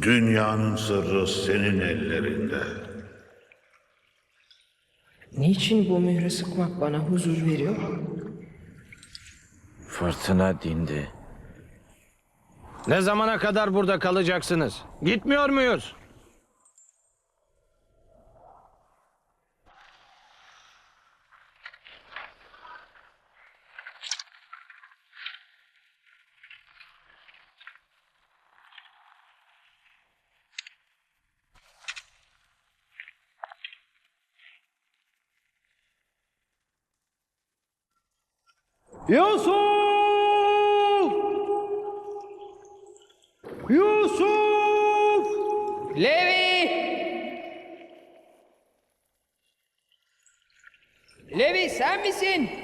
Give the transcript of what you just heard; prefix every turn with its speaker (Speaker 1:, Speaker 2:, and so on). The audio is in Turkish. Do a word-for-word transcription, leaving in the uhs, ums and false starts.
Speaker 1: Dünyanın sırrı senin ellerinde.
Speaker 2: Niçin bu mührü sıkmak bana huzur veriyor?
Speaker 3: Fırtına dindi.
Speaker 4: Ne zamana kadar burada kalacaksınız? Gitmiyor muyuz?
Speaker 5: Yusuf! Yusuf!
Speaker 2: Levi! Levi sen misin?